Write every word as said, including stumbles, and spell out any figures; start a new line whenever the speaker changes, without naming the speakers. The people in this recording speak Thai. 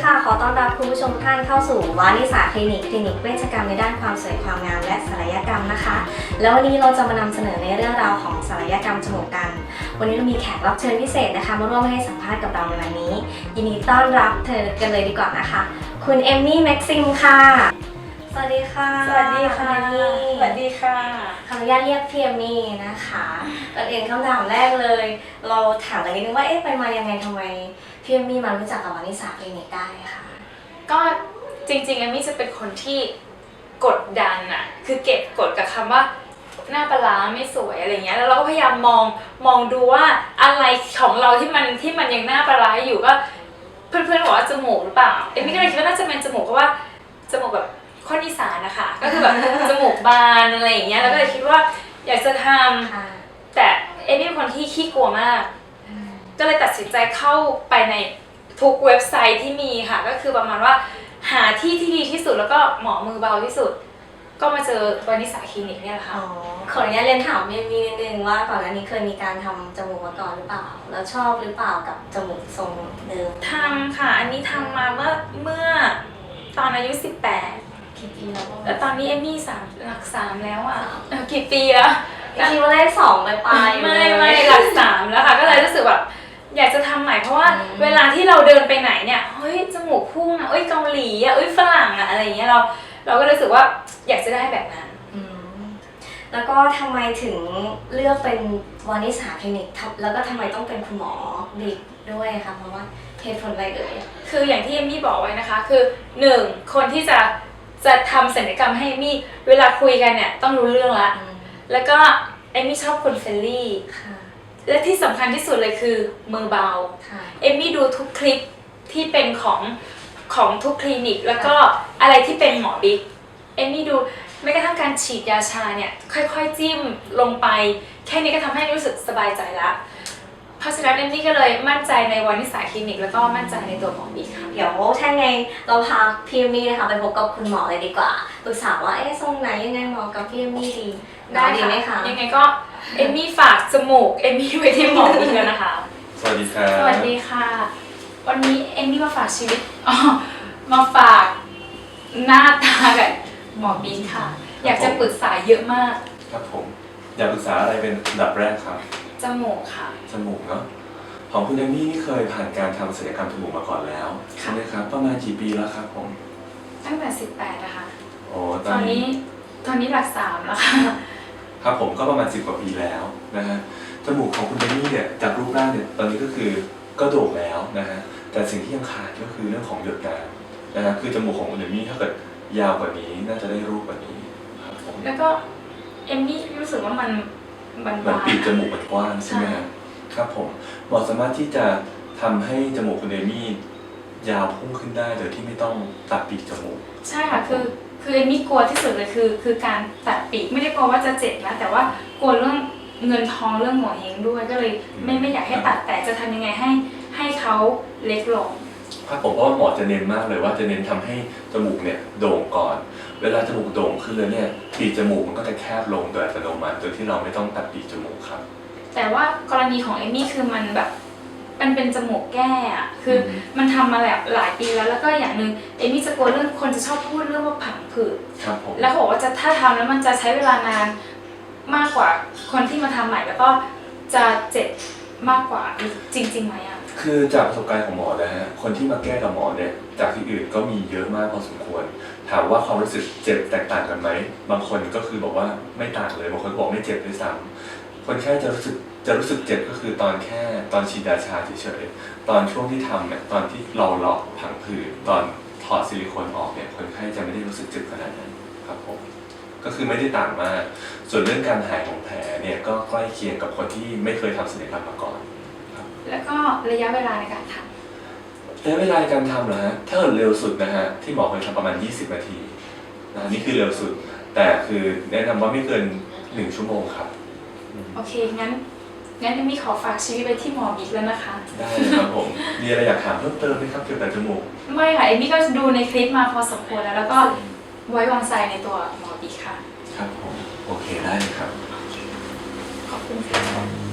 ค่ะขอต้อนรับคุณผู้ชมท่านเข้าสู่วานิสาคลินิกคลินิกเวชกรรมในด้านความสวยความงามและศัลยกรรมนะคะแล้ววันนี้เราจะมานำเสนอในเรื่องราวของศัลยกรรมจมูกกันวันนี้เรามีแขกรับเชิญพิเศษนะคะมาร่วมให้สัมภาษณ์กับเราในวันนี้ยินดีต้อนรับเธอกันเลยดีกว่านะคะคุณเอมมี่แม็กซิมค่ะสวัสดีค่ะ
สวัสดีค่ะสวัสดีค่ะ
ขออนุญาตเรียกพี่เอมมี่นะคะก่อนอื่นคำถามแรกเลยเราถามกันนิดนึงว่าเอ๊ะไปมายังไงทำไมพี่เอมมี่มารู้จักกับวานิสาคลินิกได้ค่ะ
ก็จริงๆเอมมี่จะเป็นคนที่กดดันอะคือเก็บกดกับคำว่าหน้าปลาร้าไม่สวยอะไรเงี้ยแล้วเราก็พยายามมองมองดูว่าอะไรของเราที่มันที่มันยังหน้าปลาร้าอยู่ก็เพื่อนๆบอกว่าจมูกหรือเปล่าเอมมี่ก็เลยคิดว่าน่าจะเป็นจมูกเพราะว่าจมูกแบบคนอีสานนะคะก็คือแบบจมูกบานอะไรอย่างเงี้ยแล้วก็เลยคิดว่าอยากจะทำแต่เอมมี่เป็นคนที่ขี้กลัวมากก็เลยตัดสินใจเข้าไปในทุกเว็บไซต์ที่มีค่ะก็คือประมาณว่าหาที่ที่ดีที่สุดแล้วก็หมอมือเบาที่สุดก็มาเจอวานิสาคลินิกเนี่ยแหละค่ะ
ขออนุญาตเรียนถามเอมมี่นิดนึงว่าก่อนหน้านี้เคยมีการทำจมูกมาก่อนหรือเปล่าแล้วชอบหรือเปล่ากับจมูกทรงเดิม
ทำค่ะอันนี้ทำมาเมื่อเมื่อตอนอายุสิบแปด
กี่ปีแล้ว
แล้วตอนนี้เอมมี่สามหลักสามแล้วอ่ะกี่ปีแล้ว
คิดว่าเลขสองไปปลาย
ไม่ไม่หลักสามแล้วค่ะก็เลยรู้สึกแบบอยากจะทำใหม่เพราะว่าเวลาที่เราเดินไปไหนเนี่ยเฮ้ยจมูกพุ่งอ่ะเอ้ยเกาหลีอ่ะเอ้ยฝรั่งอ่ะอะไรอย่างเงี้ยเราเราก็รู้สึกว่าอยากจะได้แบบนั้น
แล้วก็ทำไมถึงเลือกเป็นวานิสาคลินิกแล้วก็ทำไมต้องเป็นคุณหมอบิ๊กด้วยคะเพราะว่าเหตุผลอะไรเอ่ย
คืออย่างที่เอมมี่บอกไว้นะคะคือหนึ่งคนที่จะจะทำศัลยกรรมให้เอมมี่เวลาคุยกันเนี่ยต้องรู้เรื่องละแล้วก็เอมมี่ชอบคนเฟรนลี่และที่สำคัญที่สุดเลยคือมือเบาเอมมี่ดูทุกคลิปที่เป็นของของทุกคลินิกแล้วก็อะไรที่เป็นหมอบิ๊กเอมมี่ดูแม้กระทั่งการฉีดยาชาเนี่ยค่อยๆจิ้มลงไปแค่นี้ก็ทำให้รู้สึกสบายใจละเพราะฉะนั้นเอมมี่ก็เลยมั่นใจในวานิสาคลินิกแล้วก็มั่นใจในตัวหมอบิ๊กค่ะ
เดี๋ยวถ้าไงเราพาพี่เอมมี่นะคะไปพบกับคุณหมอเลยดีกว่าปรึกษาว่าเอ๊ะทรงไหนยังไงเหมาะกับพี่เอมมี่ดี
ได้ดีไหมคะยังไงก็เอมมี่ฝากจมูกเอมมี่ไว้ที่หมอบิ๊กแล้วนะคะ
สวัสดีค่ะ
สวัสดีค่ะวันนี้เอมมี่มาฝากชีวิตอ๋อมาฝากหน้าตากับหมอบิ๊กค่ะอยากจะปรึกษาเยอะมาก
ครับผมอยากปรึกษาอะไรเป็นอันดับแรกครับ
จมูกค่ะ
จมูกเนาะของคุณเอมมี่นี่เคยผ่านการทำศัลยกรรมจมูกมาก่อนแล้วใช่ไหมครับประมาณกี่ปีแล้วครับผม
ตั้งแต่สิบแปดนะคะ
โอ้
ตอนนี้ตอนนี้หลักสามแล้วค่ะ
ครับผมก็ประมาณสิบกว่าปีแล้วนะฮะจมูกของคุณเอมมี่เนี่ยจากรูปร่างเนี่ยตอนนี้ก็คือก็โด่งแล้วนะฮะแต่สิ่งที่ยังขาดก็คือเรื่องของหยดน้ำนะฮะคือจมูกของคุณเอมมี่ถ้าเกิดยาวกว่านี้น่าจะได้รูปกว่านี้ครับผม
แล้วก็เอมมี่รู้สึกว่ามัน
มันมันปีกจมูกมันกว้างใช่ไหมครับครับผมหมอสามารถที่จะทำให้จมูกคุณเอมมี่ยาวพุ่งขึ้นได้โดยที่ไม่ต้องตัดปีกจมูก
ใช่ค่ะคือคือเอมมี่กลัวที่สุดเลยคือคือการตัดปีกไม่ได้กลัวว่าจะเจ็บนะแต่ว่ากลัวเรื่องเงินทองเรื่องหัวเฮงด้วยก็เลยไม่ไม่อยากให้ตัดแต่จะทำยังไงให้ให้เขาเล็กลง
ครับผมเพราะว่าหมอจะเน้นมากเลยว่าจะเน้นทำให้จมูกเนี่ยโด่งก่อนเวลาจมูกโด่งขึ้นเลยเนี่ยปีกจมูกมันก็จะแคบลงโดยอัตโนมัติโดยที่เราไม่ต้องตัดปีกจมูกครับ
แต่ว่ากรณีของเอมมี่คือมันแบบมันเป็นจมูกแก้อะคือมันทำมาแบบหลายปีแล้วแล้วก็อย่างหนึ่งเอมมี่จะกลัวเรื่องคนจะชอบพูดเรื่องว่าผังผืดแล้วเขาบอกว่าจะถ้าทำแล้วมันจะใช้เวลานานมากกว่าคนที่มาทำใหม่แล้วก็จะเจ็บมากกว่าจริงๆไหมอะ
คือจากประสบการณ์ของหมอนะฮะคนที่มาแก้กับหมอเนี่ยจากที่อื่นก็มีเยอะมากพอสมควรถามว่าความรู้สึกเจ็บแตกต่างกันไหมบางคนก็คือบอกว่าไม่ต่างเลยบางคนบอกไม่เจ็บด้วยซ้ำคนแค่จะรู้สึกจะรู้สึกเจ็บก็คือตอนแค่ตอนฉีดยาชาเฉยๆตอนช่วงที่ทำเนี่ยตอนที่เราเลาะผังผืดตอนถอดซิลิโคนออกเนี่ยคนไข้จะไม่ได้รู้สึกเจ็บขนาดนั้นครับผมก็คือไม่ได้ต่างมากส่วนเรื่องการหายของแผลเนี่ยก็ใกล้เคียงกับคนที่ไม่เคยทำศัลยกรรมมาก่อน
แล้วก็ระยะเวลาในการทำ
ระยะเวลาในการทำเหรอฮะถ้าเกิดเร็วสุดนะฮะที่หมอเคยทำประมาณยี่สิบนาทีนะนี่คือเร็วสุดแต่คือแนะนำว่าไม่เกินหนึ่งชั่วโมงครับ
โอเคงั้นงั้นเอมมี่ขอฝากชีวิตไปที่หมอบิ๊กแล้วนะคะ
ได้ครับผมมีอะไรอยากถามเพิ่มเติมไหมครับเกี่ยวกับจมูก
ไม่ค่ะเอมมี่ก็ดูในคลิปมาพอสมควรแล้วแล้วก็ไว้วางใจในตัวหมอบิ๊กค่ะ
ครับผมโอเคได้เลยครับ
ขอบคุณค่ะ